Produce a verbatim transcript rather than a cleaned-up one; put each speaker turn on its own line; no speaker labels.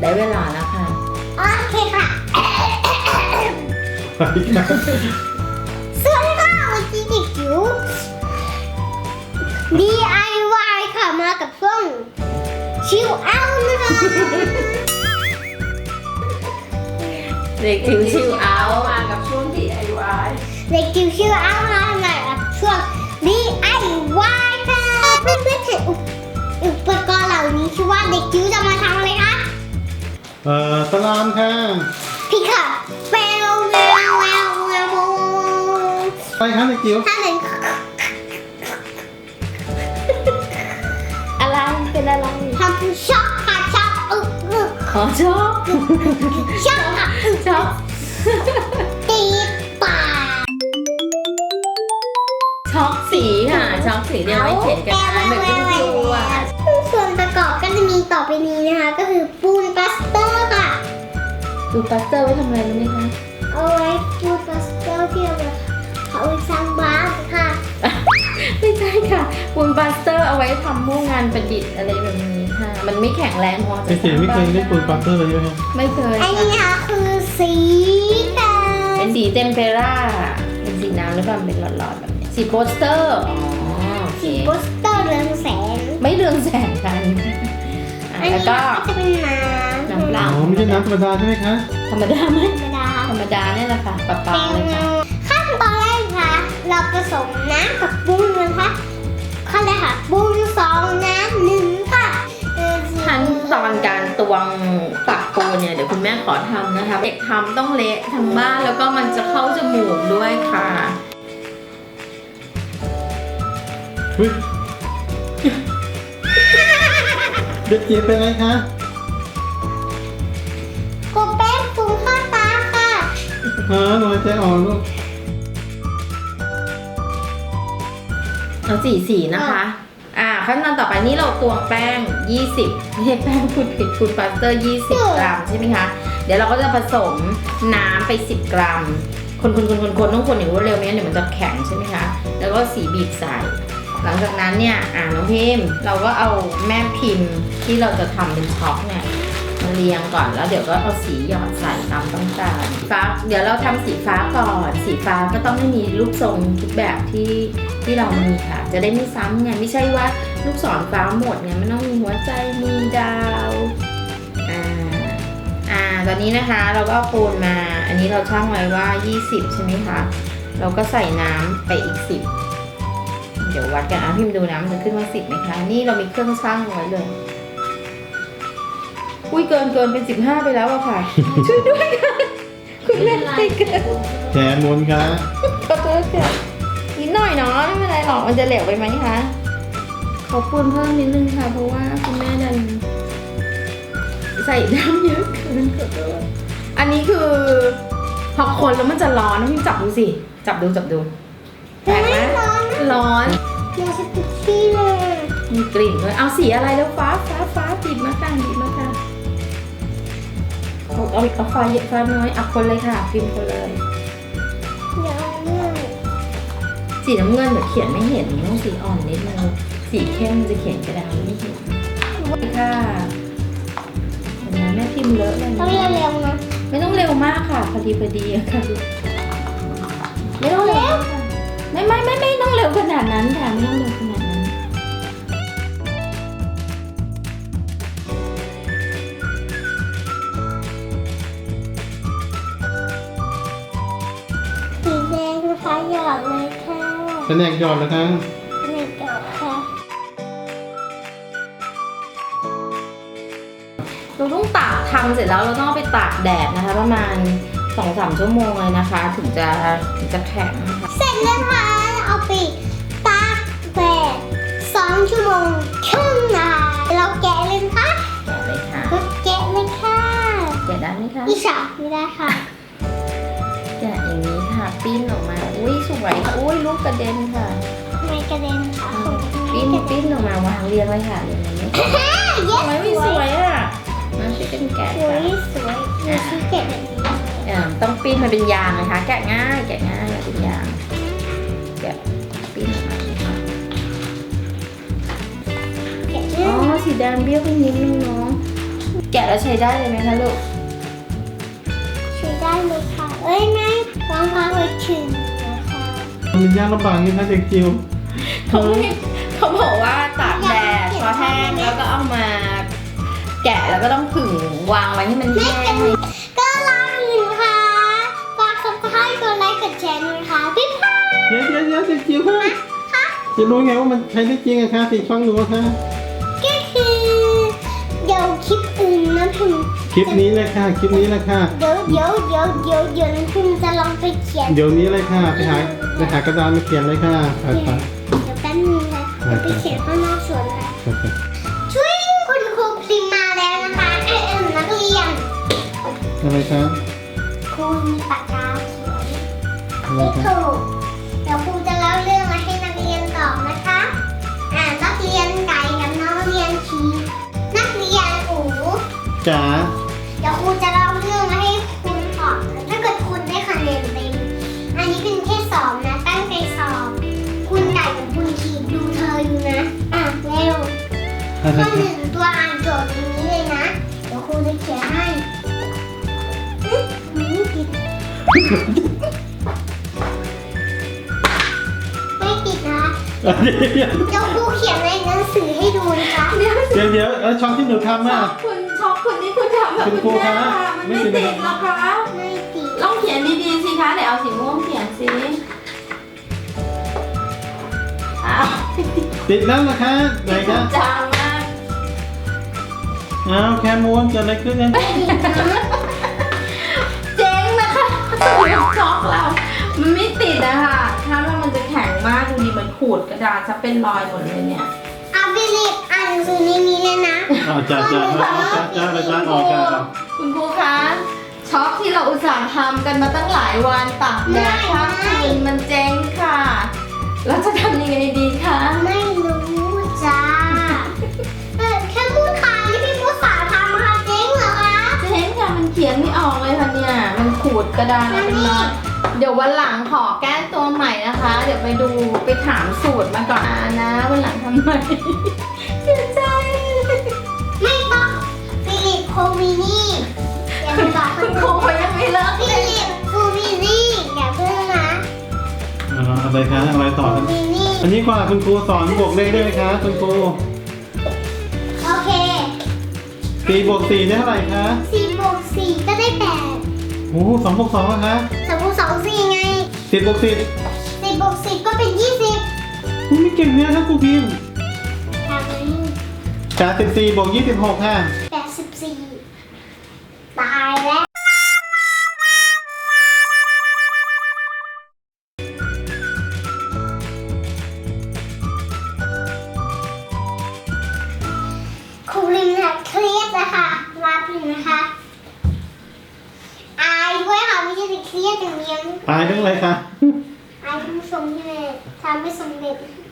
ได้เวลาแล้วค่ะ
โอเคค่ะ
ไปกัน
สวัสดีค่ะวันนี้เด็กจิ๋ว ดี ไอ วาย ค่ะมากับช่วงชิลเอาท์นะคะ
เด็กจิ๋วชิลเอาท์
มากับช่วง ดี ไอ วาย
เด็กจิ๋วชิลเอาท์มาทำงานกับช่วง ดี ไอ วาย ค่ะเพื่อนๆเห็นอุปอุปกรณ์เหล่านี้คิดว่าเด็กจิ๋วจะมาทำอะไรคะ
เอ่อสลามค่ะ
พี่ค่ะแววแววแววแวว
ไปครับเด็กจิ๋ว
ถ้าหนึ่ง
อะไรเป็นอะไร
ทำช็อกค่ะช็อกอึกอึก
ขอชอบ
ช็อกค่ะอึก
ชอบ
ตีปาก
ช็อกสีค่ะช็อกสีเดียวไม่เขียนกันนะเหมือนคุณครูอ่ะ
ส่วนประกอบก็จะมีต่อไปนี้นะคะ ก็คือปูนปลาสเตอร์ค่ะ
ดูปัสเตอร์ไว้ทำอะไรรู้ไหมคะ
เอาไว้ปูนปลาสเตอร์ที่เราเอาไว้สร้างบ้านค่ะ
ไม่ใช่ค่ะปูนปัสเตอร์เอาไว้ทำมู่งานประดิษฐ์อะไรแบบนี้ค่ะ มันไม่แข็งแรงพอจะ
เด็กจิ๋วไม่เคยเล่นปูนปัตเตอร์เลยใช่ไหม
ไม่เคย
อันนี้นะคะคือสีแดง
เป็นสีเทมเปร่าเป็นสีน้ำหรือเปล่าเป็นหลอดๆแบบนี้สีโปสเตอร์อ๋อโอเค
สีโปสเตอร์เรืองแสง
ไม่เรืองแสงกันอ่ะ
อัน
แล้
นี้
วก็
จะเป็นน้ำ
น้ำเปล่า
อ๋อไม่ใช่น้ำธรรมดาใช่ไหมคะ
ธรรมดาไหม
ธรรมดา
ธรรมดาเนี่ยแหละค่ะปลาปลาเลยค่ะ
ขั้นตอนแรกค่ะ เราผสมน้ำกับปูนนะคะขั้นแรกค่ะปูนสองน้ำหนึ่งค่ะเออ
ขั้นตอนการตวงตักปูนเนี่ยเดี๋ยวคุณแม่ขอทำนะคะเด็กทำต้องเละทั้งบ้านแล้วก็มันจะเข้าจมูกด้วยค่ะ
เฮ้ยเด็กจิ๋วเป็นไรคะ
กดแป้งฟุ้งเข้าตาค่ะ
ฮะหนูหายใจอ่อนลูก
เอาสีสีนะคะ อ่าขั้นตอนต่อไปนี่เราตวงแป้งยี่สิบไม่ใช่แป้งพูดผิดฟูดพาสเตอร์ยี่สิบกรัมใช่ไหมคะเดี๋ยวเราก็จะผสมน้ำไปสิบกรัมคนคนคนคนคนต้องคนอย่างรวดเร็วไม่งั้นเดี๋ยวมันจะแข็งใช่ไหมคะแล้วก็สีบีบใส่หลังจากนั้นเนี่ยอ่าน้องพิมพ์เราก็เอาแม่พิมพ์ที่เราจะทำเป็นช็อกเนี่ยมาเรียงก่อนแล้วเดี๋ยวก็เอาสีหยอดใส่ตามต้องการฟ้าเดี๋ยวเราทำสีฟ้าก่อนสีฟ้าก็ต้องไม่มีรูปทรงทุกแบบที่ที่เรามีค่ะจะได้ไม่ซ้ำไงไม่ใช่ว่าลูกศรฟ้าหมดไงมันต้องมีหัวใจมีดาวอ่าอ่าตอนนี้นะคะเราก็เอาปูนมาอันนี้เราช่างไว้ว่ายี่สิบใช่ไหมคะเราก็ใส่น้ำไปอีกสิบเดี๋ยววัดกันอ่ะพิมพ์ดูนะมันจะขึ้นว่าสิบไหมคะนี่เรามีเครื่องช่างไว้เลยอุ้ยเกินเกินเป็นสิบห้าไปแล้วอะค่ะ ช่วยด้วยค่ะคุณแม่ให้เกิน
แขนมนค่ะ
ขอโทษค่ะนิดหน่อยเนาะไม่เป็นไรหรอกมันจะเหลวไปไหมคะขอปูนเพิ่มนิดนึงค่ะเพราะว่าคุณแม่ดันใส่น้ำเยอะเกินขอโทษอันนี้คือพอคนแล้วมันจะร้อนนะพี่จับดูสิจับดูจับดูแปลกไหม
ร้อนนะ
ร้อน
อยากจะติดที่เลย
มีกลิ่นด้วยเอาสีอะไรแล้วฟ้าฟ้าฟ้าบีบมาค่ะบีบมาค่ะเอาเอาเอาฟ้าเยอะฟ้าน้อยเอาคนเลยค่ะพิมพ์คนเลย
อยากเลือก
สีน้ำเงินเดี๋ยวเขียนไม่เห็นต้องสีอ่อนนิดนึงสีเข้มจะเขียนกระดาษไม่เห็นค่ะเห็นไหมแม่พิมพ์เลอะเลย
ต้องเร็วๆนะ
ไม่ต้องเร็วมากค่ะพอดีพอดีอะค่ะไม่ต้องเร็วค่ะไม่ไม่ไม่ไม่ต้องเร็วขนาดนั้นค่ะไม่ต้องเร็วขนาดนั้น
สีแดงนะคะหยอดเลยค่ะ
แผนกหยอดแล้วคะ
นี่หยอดค่ะ
เราต้องตากทำเสร็จแล้วเราต้องเอาไปตากแดดนะคะ ประมาณสองสามชั่วโมงเลยนะคะ ถึงจะถึงจะแข็งนะคะ
เสร็จแล้วค่ะเอาไปตากแดดสองชั่วโมงครึ่งนะคะเราแกะเลยนะคะ
แกะเลยค่ะ
ก็แกะเลยค่ะ
แกะได้ไหมคะ
อีฉาไม่ได้ค่ะ
แกะอย่างนี้ค่ะปิ้นออกมาอุ้ยสวยอุ้ยลูกกระเด็นค่ะ
ไม่กระเด็นค่ะ
ปิ้นปิ้นออกมาวางเรียงไว้ค่ะเรียงไว้ไม่
เย้
ทำไมไม่สวยอ่ะมาช่วยกันแกะ
สว
ค่ะ
ยสวยมีชิ้นแกะแบบนี้
อ่าต้องปิ้นมันเป็นยางนะคะ แกะง่ายแกะง่ายเป็นยางแกะปิ้นออกมาเลยค่ะ
แกะ
อ๋
ง่าย
อสีแดงเบี้ยวไปนิดนึงเนาะแกะแล้วใช้ได้เลยไหมคะลูก
ช่วยได้เลยค่ะ เอ้ยไม่วางวางไว้ถึงนะคะ
มันยากลำบากนี่นะเด็กจิ๋ว
เขาไม่เขาบอกว่าตากแดดพอแห้งแล้วก็เอามา แกะแล้วก็ต้องผึ่งวางไว้ให้มันแห้ง
ก็ลาอื่นค่ะฝากซับสไครต์กดไลค์กดแชร์ด้วยค่ะพี่พา
เดี๋ยวเดี๋ยวเดี๋ยวเด็กจิ๋วค่ะ
ค่ะ
จะรู้ไงว่ามันใช้ได้จริงอะคะติดฟังหนูอะคะ
ก็คือเดี๋ยวคลิปอื่นนะพิม
คลิปนี้เลยค่ะคลิปนี้เลยค่ะ
เดี๋ยวเดี๋ยวเดี๋ยวเดี๋ยวเดี๋ยวน้ำพิมจะลองไปเขียน
เดี๋ยวนี้เลยค่ะไปหาไปหากระดานมาเขียนเลยค่ะไปไป
เดี๋ยวแป๊บนึงค่ะเดี๋ยวไปเขียนข้างนอกสวนค่ะ
ไปไป
ช่วยคุณครูพิมพ์มาแล้วนะคะเอ็มนักเรียน
อะไรคะ
ครูมีปากกาเขียน
อะไร
ไม่
คะ
ถูกเดี๋ยวครูจะเล่าเรื่องมาให้นักเรียนตอบนะคะอ่านักเรียนไก่กับนักเรียนชีนักเรียนอู
จ๋า
เดี๋ยวครูจะเล่าเรื่องมาให้คุณตอบถ้าเกิดคุณได้คะแนนเต็มอันนี้เป็นแค่สอบนะตั้งใจสอบ คุณไก่กับคุณชีดูเธออยู่นะอ่ะเร็ว
อะไร
ข้อห
คะ
นึ่งตัวอ่านโจทย์อย่างนี้เลยนะ เดี๋ยวครูจะเขียนให้อื้อมันไม่ติดไม่ติดนะ
เดี๋ยว
เดี๋ยวครูเขียนในหนังสือให้ดูนะคะ
เดี๋ยว
เดี๋ยวเดี๋ยวแล้วช่องที่หนูทำ
ช็
อ่ะ
อกคุณช็อกคุณนี่คุณทำแบบ
คุณครู
คุณแม่
คะ
มัน
ไม่
ไม่
ติด
ติดหรอกคะ
ไม่ติด
ลองเขียนดีๆสิคะเดี๋ยวเอาสีม่วงเขียนสิอ้าว
ติดแล้วนะคะไหนคะ
จางมาก
อ้าวแคมูนเกิดอะไรขึ้นเนี่ย
เจ๊งนะคะช็อกเรา มันไม่ติดอะค่ะ ถ้าว่ามันจะแข็งมากดูดีเหมือนขูดกระดาษจะเป็นรอยหมดเลยเนี่ย
เอาไปเรียนอ่านหนังสือในนี้เลยนะ
อ้าวจ้าจ้าจ้าจ้าจ้าจ้าออกจ้า
คุณครูคะช็อกที่เราอุตส่าห์ทำกันมาตั้งหลายวันตากแดดข้ามคืนมันเจ๊งค่ะ แล้วจะทำยังไงดีคะ
ไม่รู้จ้าเออแค่พูดค่ะนี่พี่พูดสาทำค่ะเจ๊งเหรอคะ
เจ๊งค่ะมันเขียนไม่ออกเลยค่ะเนี่ย มันขูดกระดานมาเป็นรอยเดี๋ยววันหลังขอแก้ตัวใหม่นะคะ เดี๋ยวไปดูไปถามสูตรมาก่อนนะวันหลังทำใหม่เสียใจ
ไม่ต้องฟิลิปโควินี่อย่าไปบอก
คุณครูเขายังไม่เลิก
ฟิ
เลย
ลิปโควินี่อย่าเพิ่งนะ
อ่าอะไรคะอะไรต่อ
โควินี่
อันนี้กว่าคุณครูสอนบวกเลขได้ไหมคะคุณครู
โอเค
สี่บวกสี่ได้เท่าไหร่คะ
สี่บวกสี่ก็ได้แปด
โอ้โหสองบวกสองอะคะ
สองบวกสองสี่ไง
สิบบวกสิบ
สิบบวกสิบก็เป็นยี่สิบ
คุณไม่เก่งเนี่ยครับครูพิมพ์
ทำไม
จากสิบสี่บวกยี่สิบหกค่ะ
แปดสิบสี่ตายแล้ว ครูลิมค่ะเครียดนะคะรับเลยนะคะอายด้วยค่ะไม่ใช่แต่เครียดอย่างเดียว
ตายเรื่องอะไรคะ
อายคุณผู้ชมที่เลยทำไม่สำเร็จ